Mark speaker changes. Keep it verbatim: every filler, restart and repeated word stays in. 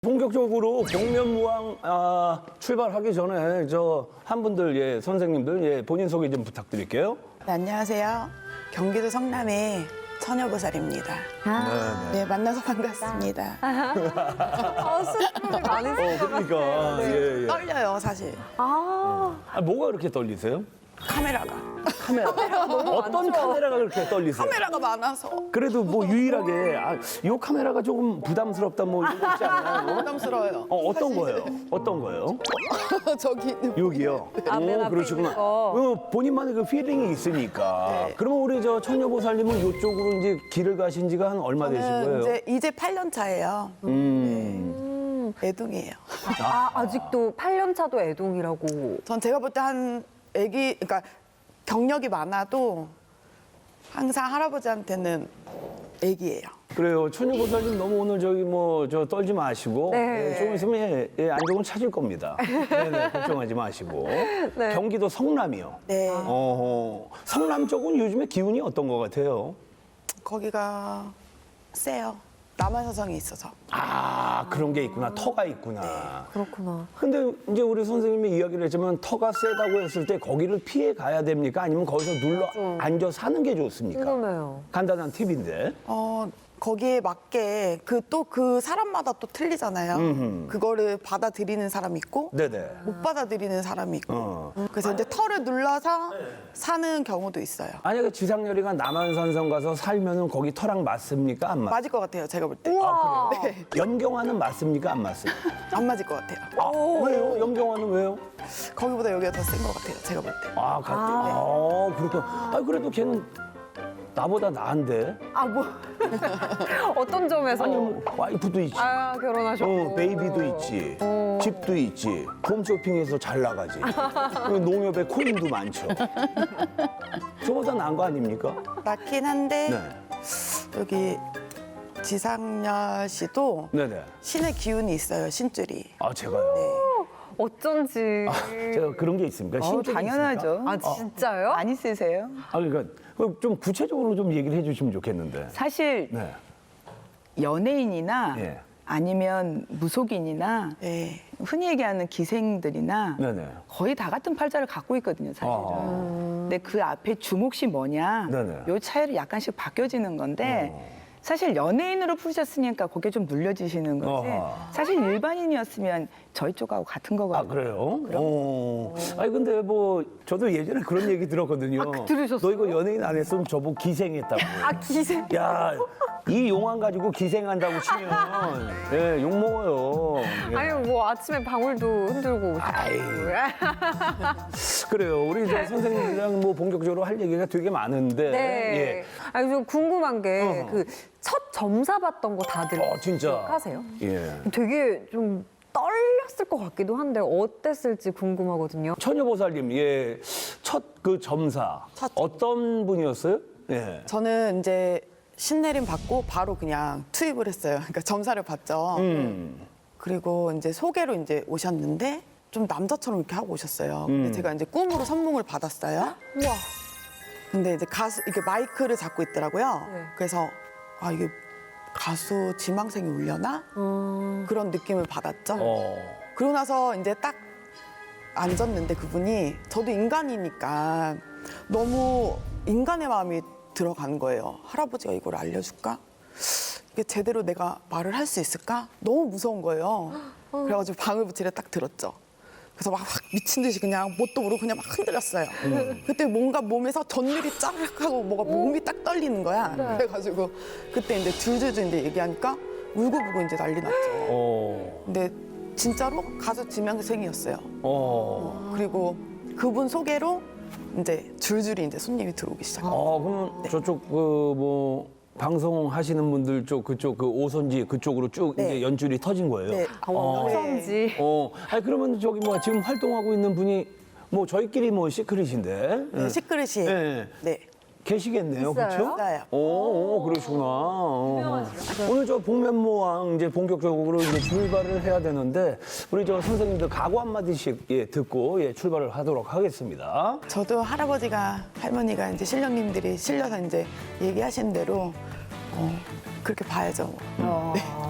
Speaker 1: 본격적으로 복면무왕 아, 출발하기 전에 저 한 분들 예 선생님들 예 본인 소개 좀 부탁드릴게요.
Speaker 2: 네, 안녕하세요. 경기도 성남의 처녀보살입니다.
Speaker 3: 아,
Speaker 1: 네,
Speaker 2: 네, 만나서 반갑습니다.
Speaker 3: 어, 수줍음이 많으신
Speaker 1: 어,
Speaker 3: 것
Speaker 1: 그러니까
Speaker 3: 같아요.
Speaker 1: 예, 예.
Speaker 2: 떨려요, 사실.
Speaker 3: 아,
Speaker 1: 아, 뭐가 그렇게 떨리세요?
Speaker 2: 카메라가.
Speaker 1: 카메라. 어떤
Speaker 3: 많죠.
Speaker 1: 카메라가 그렇게 떨리세요?
Speaker 2: 카메라가 많아서
Speaker 1: 그래도 뭐 유일하게 아, 이 카메라가 조금 부담스럽다 뭐 이런 거 있지 않나요?
Speaker 2: 부담스러워요.
Speaker 1: 어, 어떤
Speaker 2: 사실.
Speaker 1: 거예요? 어떤 거예요?
Speaker 2: 저기 있는
Speaker 1: 여기요.
Speaker 3: 아, 맨
Speaker 1: 오,
Speaker 3: 앞에
Speaker 1: 그러시구나.
Speaker 3: 있는 거.
Speaker 1: 어, 본인만의 그 필링이 있으니까.
Speaker 2: 네.
Speaker 1: 그러면 우리 저 처녀보살님은 이쪽으로 이제 길을 가신 지가 한 얼마 되신
Speaker 2: 저는
Speaker 1: 거예요?
Speaker 2: 이제 이제 팔 년 차예요.
Speaker 1: 음.
Speaker 2: 애동이에요.
Speaker 3: 아, 아직도 팔 년 차도 애동이라고.
Speaker 2: 전 제가 볼 때 한 애기, 그러니까 경력이 많아도 항상 할아버지한테는 애기예요.
Speaker 1: 그래요. 처녀보살님 너무 오늘 저기 뭐 저 떨지 마시고
Speaker 3: 네.
Speaker 1: 예, 조금 있으면 예, 예, 안정은 찾을 겁니다. 네네, 걱정하지 마시고.
Speaker 3: 네.
Speaker 1: 경기도 성남이요.
Speaker 2: 네.
Speaker 1: 어허. 성남 쪽은 요즘에 기운이 어떤 것 같아요?
Speaker 2: 거기가 세요. 남한사성이 있어서.
Speaker 1: 아 그런 게 있구나. 터가 있구나.
Speaker 3: 그렇구나.
Speaker 1: 근데 이제 우리 선생님이 이야기를 했지만 터가 세다고 했을 때 거기를 피해 가야 됩니까? 아니면 거기서 눌러 앉아 사는 게 좋습니까?
Speaker 3: 궁금해요.
Speaker 1: 간단한 팁인데.
Speaker 2: 어, 거기에 맞게 그 또 그 사람마다 또 틀리잖아요.
Speaker 1: 음흠.
Speaker 2: 그거를 받아들이는 사람이 있고
Speaker 1: 네네.
Speaker 2: 못 받아들이는 사람이 있고.
Speaker 1: 어.
Speaker 2: 그래서 이제 털을 눌러서 사는 경우도 있어요.
Speaker 1: 만약에 지상렬이가 남한산성 가서 살면은 거기 터랑 맞습니까? 안 맞?
Speaker 2: 맞을 것 같아요, 제가 볼 때.
Speaker 3: 우와.
Speaker 2: 네,
Speaker 1: 연경화는 맞습니까? 안 맞습니까?
Speaker 2: 안 맞을 것 같아요.
Speaker 1: 아, 왜요? 연경화는 왜요?
Speaker 2: 거기보다 여기가 더 센 것 같아요, 제가 볼 때.
Speaker 1: 아, 같 아, 그렇군. 아, 그래도 걔는 나보다 나은데.
Speaker 3: 아, 뭐. 어떤 점에서?
Speaker 1: 아니, 뭐, 와이프도 있지.
Speaker 3: 아, 결혼하셨고.
Speaker 1: 어, 베이비도 있지. 집도 있지. 홈쇼핑에서 잘 나가지. 그 농협에 코인도 많죠. 저보다 나은 거 아닙니까?
Speaker 2: 맞긴 한데
Speaker 1: 네.
Speaker 2: 여기 지상렬 씨도
Speaker 1: 네네.
Speaker 2: 신의 기운이 있어요, 신줄이.
Speaker 1: 아, 제가요.
Speaker 2: 네.
Speaker 3: 어쩐지.
Speaker 1: 제가 그런 게 있습니까?
Speaker 4: 어,
Speaker 1: 신적이
Speaker 4: 당연하죠.
Speaker 1: 있습니까?
Speaker 3: 아, 진짜요?
Speaker 4: 많이 쓰세요?
Speaker 1: 아, 그러니까 좀 구체적으로 좀 얘기를 해주시면 좋겠는데.
Speaker 4: 사실
Speaker 1: 네.
Speaker 4: 연예인이나
Speaker 1: 예.
Speaker 4: 아니면 무속인이나
Speaker 2: 네.
Speaker 4: 흔히 얘기하는 기생들이나
Speaker 1: 네네.
Speaker 4: 거의 다 같은 팔자를 갖고 있거든요, 사실은.
Speaker 1: 아.
Speaker 4: 근데 그 앞에 주목시 뭐냐,
Speaker 1: 네네.
Speaker 4: 요 차이로 약간씩 바뀌어지는 건데
Speaker 1: 어.
Speaker 4: 사실 연예인으로 푸셨으니까 그게 좀 눌려지시는 거지.
Speaker 1: 어허.
Speaker 4: 사실 일반인이었으면 저희 쪽하고 같은 거거든요.
Speaker 1: 아, 그래요? 어. 아니, 근데 뭐, 저도 예전에 그런 얘기 들었거든요.
Speaker 3: 아, 들으셨어요?
Speaker 1: 너 이거 연예인 안 했으면 저보고 기생했다고.
Speaker 3: 아, 기생.
Speaker 1: 야, 이 용안 가지고 기생한다고 치면, 예, 욕먹어요. 예.
Speaker 3: 아니, 뭐 아침에 방울도 흔들고
Speaker 1: 아이.
Speaker 3: 오셨고.
Speaker 1: 그래요. 우리 저 선생님이랑 뭐 본격적으로 할 얘기가 되게 많은데.
Speaker 3: 네.
Speaker 1: 예.
Speaker 3: 아니, 좀 궁금한 게
Speaker 1: 어허.
Speaker 3: 그 첫 점사 봤던 거 다들
Speaker 1: 어, 진짜.
Speaker 3: 하세요?
Speaker 1: 예.
Speaker 3: 되게 좀 떨렸을 것 같기도 한데 어땠을지 궁금하거든요.
Speaker 1: 처녀보살님, 예. 첫 그 점사.
Speaker 2: 첫-
Speaker 1: 어떤 분이었어요? 예.
Speaker 2: 저는 이제 신내림 받고 바로 그냥 투입을 했어요. 그러니까 점사를 받죠.
Speaker 1: 음.
Speaker 2: 그리고 이제 소개로 이제 오셨는데 좀 남자처럼 이렇게 하고 오셨어요. 근데
Speaker 1: 음.
Speaker 2: 제가 이제 꿈으로 선몽을 받았어요.
Speaker 3: 우와.
Speaker 2: 근데 이제 가수 이렇게 마이크를 잡고 있더라고요.
Speaker 3: 네.
Speaker 2: 그래서 아 이게 가수 지망생이 울려나
Speaker 3: 음.
Speaker 2: 그런 느낌을 받았죠.
Speaker 1: 어.
Speaker 2: 그러고 나서 이제 딱 앉았는데 그분이 저도 인간이니까 너무 인간의 마음이 들어간 거예요. 할아버지가 이걸 알려줄까? 이게 제대로 내가 말을 할 수 있을까? 너무 무서운 거예요. 그래가지고 방울 붙이를 딱 들었죠. 그래서 막, 막 미친 듯이 그냥 뭣도 모르고 그냥 막 흔들렸어요. 그때 뭔가 몸에서 전율이 짜르륵 하고 뭐가 몸이 딱 떨리는 거야. 그래가지고 그때 이제 줄줄줄 이제 얘기하니까 울고불고 이제 난리 났죠.
Speaker 1: 어.
Speaker 2: 근데 진짜로 가수 지명생이었어요.
Speaker 1: 어.
Speaker 2: 그리고 그분 소개로 이제 줄줄이 이제 손님이 들어오기 시작해요.
Speaker 1: 어, 그러면 저쪽 그 뭐 방송하시는 분들 쪽 그쪽 그 오선지 그쪽으로 쭉
Speaker 2: 네.
Speaker 1: 이제 연줄이 터진 거예요.
Speaker 2: 네.
Speaker 3: 아, 어쩐지.
Speaker 1: 어, 아니 그러면 저기 뭐 지금 활동하고 있는 분이 뭐 저희끼리 뭐 시크릿인데
Speaker 2: 네, 시크릿이
Speaker 1: 네.
Speaker 2: 네.
Speaker 1: 계시겠네요,
Speaker 3: 있어요?
Speaker 1: 그렇죠?
Speaker 2: 있어요.
Speaker 1: 오, 오, 그러시구나. 어. 오늘 저 복면무왕 이제 본격적으로 이제 출발을 해야 되는데 우리 저 선생님들 각오 한 마디씩 예, 듣고 예, 출발을 하도록 하겠습니다.
Speaker 2: 저도 할아버지가 할머니가 이제 신령님들이 실려서 이제 얘기하신 대로 어, 그렇게 봐야죠. 뭐.
Speaker 4: 어.
Speaker 2: 네.